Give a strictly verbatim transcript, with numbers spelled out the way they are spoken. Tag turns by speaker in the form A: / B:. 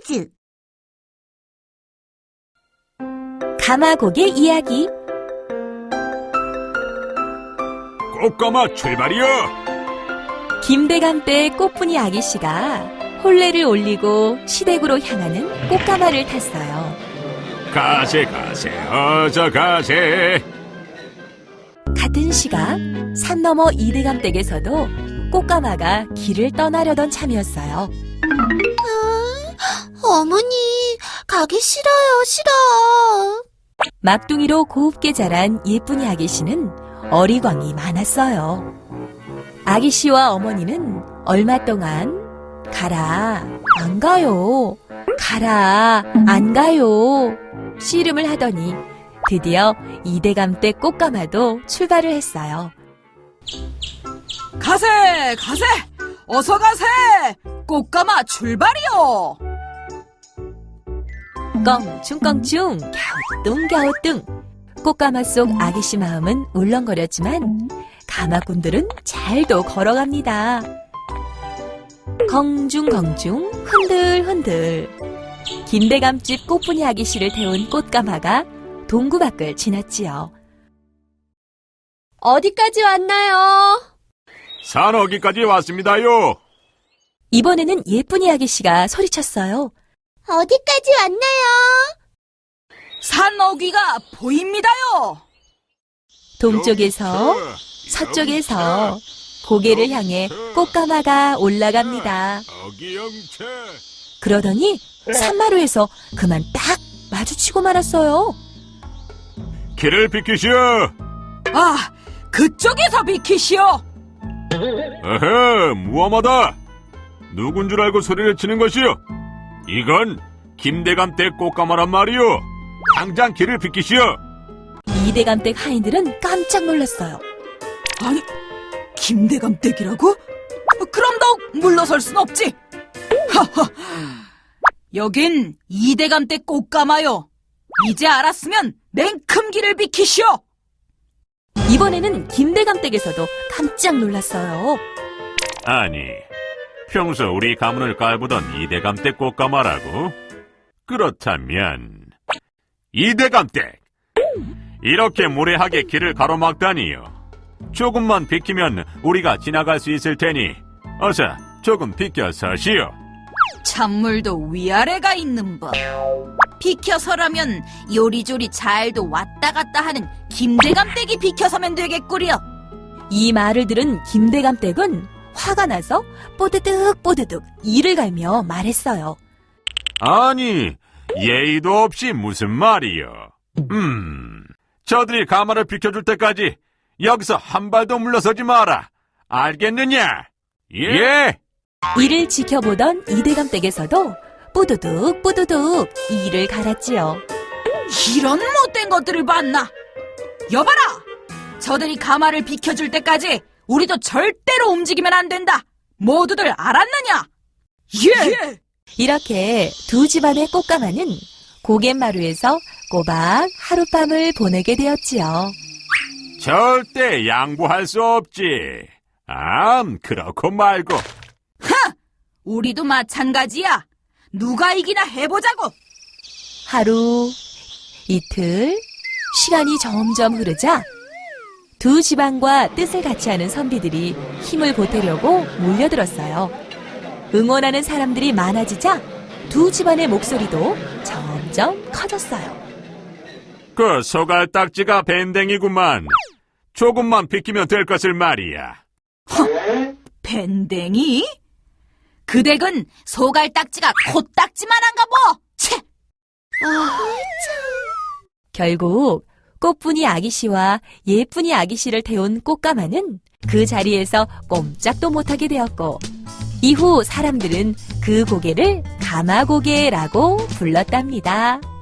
A: 퀴즈.
B: 가마고개 이야기.
C: 꽃가마 출발이여!
B: 김대감 때 꽃분이 아기씨가 혼례를 올리고 시댁으로 향하는 꽃가마를 탔어요.
C: 가세 가세 어서 가세.
B: 같은 시각 산 너머 이대감 댁에서도 꽃가마가 길을 떠나려던 참이었어요.
A: 어머니, 가기 싫어요, 싫어.
B: 막둥이로 곱게 자란 예쁜이 아기씨는 어리광이 많았어요. 아기씨와 어머니는 얼마 동안 가라, 안 가요, 가라, 안 가요 씨름을 하더니 드디어 이대감 댁 꽃가마도 출발을 했어요.
D: 가세, 가세, 어서 가세, 꽃가마 출발이요.
B: 껑충껑충 갸우뚱갸우뚱 꽃가마 속 아기씨 마음은 울렁거렸지만 가마꾼들은 잘도 걸어갑니다. 공중공중 흔들흔들 김대감집 꽃분이 아기씨를 태운 꽃가마가 동구 밖을 지났지요.
A: 어디까지 왔나요?
C: 산어기까지 왔습니다요.
B: 이번에는 예쁜이 아기씨가 소리쳤어요.
A: 어디까지 왔나요?
D: 산어귀가 보입니다요.
B: 동쪽에서 서쪽에서 고개를 향해 꽃가마가 올라갑니다.
C: 어기영체.
B: 그러더니 산마루에서 그만 딱 마주치고 말았어요.
C: 길을 비키시오.
D: 아, 그쪽에서 비키시오.
C: 어허, 무엄하다. 누군 줄 알고 소리를 치는 것이오. 이건 김대감 댁 꽃가마란 말이오. 당장 길을 비키시오.
B: 이대감 댁 하인들은 깜짝 놀랐어요.
D: 아니, 김대감 댁이라고? 그럼 더욱 물러설 순 없지. 하하, 여긴 이대감 댁 꽃가마요. 이제 알았으면 냉큼 길을 비키시오.
B: 이번에는 김대감 댁에서도 깜짝 놀랐어요.
C: 아니, 평소 우리 가문을 깔보던 이대감 댁 꽃가마라고? 그렇다면 이대감 댁, 이렇게 무례하게 길을 가로막다니요. 조금만 비키면 우리가 지나갈 수 있을 테니 어서 조금 비켜서시오.
D: 찬물도 위아래가 있는 법. 비켜서라면 요리조리 잘도 왔다 갔다 하는 김대감 댁이 비켜서면 되겠구려.
B: 이 말을 들은 김대감 댁은 화가 나서 뽀드득 뽀드득 이를 갈며 말했어요.
C: 아니, 예의도 없이 무슨 말이요. 음, 저들이 가마를 비켜줄 때까지 여기서 한 발도 물러서지 마라. 알겠느냐? 예!
B: 이를 지켜보던 이대감 댁에서도 뽀드득 뽀드득 이를 갈았지요.
D: 이런 못된 것들을 봤나? 여봐라! 저들이 가마를 비켜줄 때까지 우리도 절대로 움직이면 안 된다. 모두들 알았느냐? 예!
B: 이렇게 두 집안의 꽃가마는 고갯마루에서 꼬박 하룻밤을 보내게 되었지요.
C: 절대 양보할 수 없지. 암, 그렇고 말고.
D: 우리도 마찬가지야. 누가 이기나 해보자고.
B: 하루, 이틀, 시간이 점점 흐르자 두 집안과 뜻을 같이 하는 선비들이 힘을 보태려고 몰려들었어요. 응원하는 사람들이 많아지자 두 집안의 목소리도 점점 커졌어요.
C: 그 소갈딱지가 밴댕이구만. 조금만 비키면 될 것을 말이야.
D: 밴댕이? 그 댁은 소갈딱지가 코딱지만한가 뭐. 채!
B: 결국 꽃분이 아기씨와 예쁜이 아기씨를 태운 꽃가마는 그 자리에서 꼼짝도 못하게 되었고 이후 사람들은 그 고개를 가마고개라고 불렀답니다.